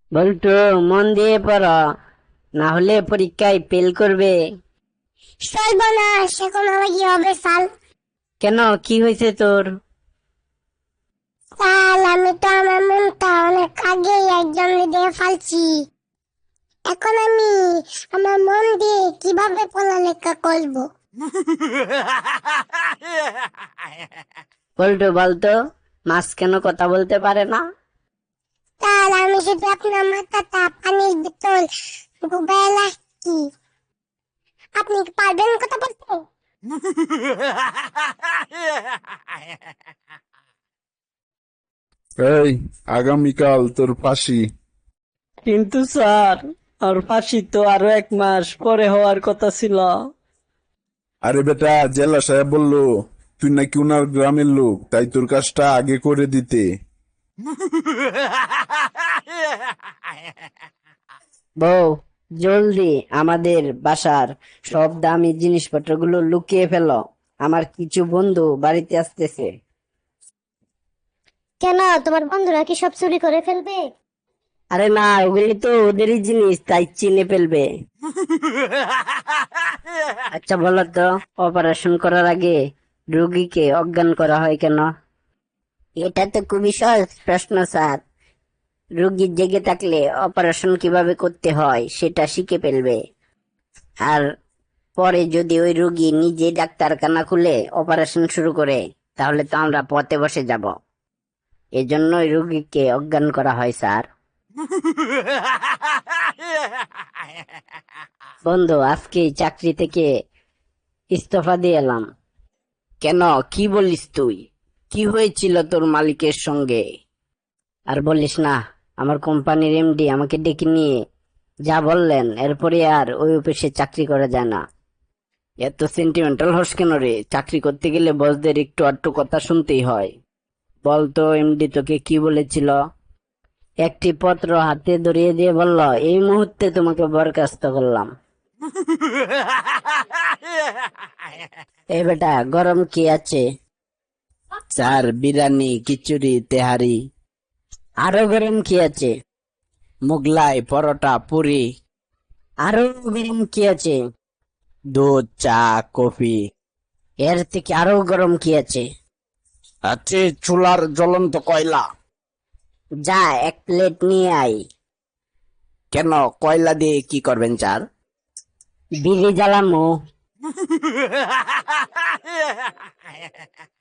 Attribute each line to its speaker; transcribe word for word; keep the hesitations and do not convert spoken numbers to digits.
Speaker 1: বল্টু, মন দিয়ে পড়ো, না হলে পরীক্ষায় ফেল করবে।
Speaker 2: সর্বনাশ, এখন আমার কি হবে সাল?
Speaker 1: কেন, কি হয়েছে তোর?
Speaker 2: সাল, আমি তো আমার মনটা অনেক আগেই একজন দিয়ে ফালছি। এখন আমি আমার মন দিয়ে কিভাবে পড়ালেখা করব?
Speaker 1: বল্টু বলতো, মাছ কেন কথা বলতে পারে না?
Speaker 2: স্যার, আমি শুধু আপনার মাথাটা পানির ভিতর ডুবাই রাখছি। আপনি কি পারবেন কথা বলতে?
Speaker 3: এই, আগামীকাল তোর ফাঁসি।
Speaker 1: কিন্তু স্যার, আর ফাঁসি তো আরো এক মাস পরে হওয়ার কথা ছিল।
Speaker 3: আরে বেটা, জেলা সাহেব বললো তুই নাকি উনার গ্রামের লোক, তাই তোর কাজটা আগে করে দিতে।
Speaker 1: বউ, জলদি আমাদের বাসার সব দামি জিনিসপত্রগুলো লুকিয়ে ফেলো, আমার কিছু বন্ধু বাড়িতে আসতেছে।
Speaker 2: কেন, তোমার বন্ধুরা কি সব চুরি করে ফেলবে?
Speaker 1: আরে না, ওগুলি তো ওদেরই জিনিস, তাই চিনে ফেলবে। আচ্ছা বলো তো, অপারেশন করার আগে রোগীকে অজ্ঞান করা হয় কেন? এটা তো খুবই সহজ প্রশ্ন স্যার। রোগী জেগে থাকলে অপারেশন কিভাবে করতে হয় সেটা শিখে ফেলবে। আর পরে যদি ওই রোগী নিজে ডাক্তারখানা খুলে অপারেশন শুরু করে, তাহলে তো আমরা পথে বসে যাব। এজন্যই রোগীকে অজ্ঞান করা হয় স্যার। বন্ধু, আজকে এই চাকরি থেকে ইস্তফা দিয়ে এলাম। কেন, কি বলিস তুই? কি হয়েছিল তোর মালিকের সঙ্গে? আর বলিস না, আমার কোম্পানির এমডি আমাকে ডেকে নিয়ে যা বললেন, এরপরে আর ওই অফিসে চাকরি করা যায় না। এত সেন্টিমেন্টাল হস কেন রে? চাকরি করতে গেলে বসদের একটু আধটু কথা শুনতেই হয়। বলতো, এমডি তোকে কি বলেছিল? একটি পত্র হাতে ধরিয়ে দিয়ে বলল, এই মুহূর্তে তোমাকে বরখাস্ত করলাম। এ বেটা, গরম কি আছে? চার, বিরিয়ানি, খিচুড়ি, তেহারি। আরো গরম কি আছে? মোগলাই, পরোটা, পুরি। আরো গরম কি আছে? দুধ, চা, কফি। এর থেকে আরো গরম কি আছে? আছে চুলার জ্বলন্ত কয়লা। যা, এক প্লেট নিয়ে আয়। কেন, কয়লা দিয়ে কি করবেন স্যার? বিড়ি জ্বালামো।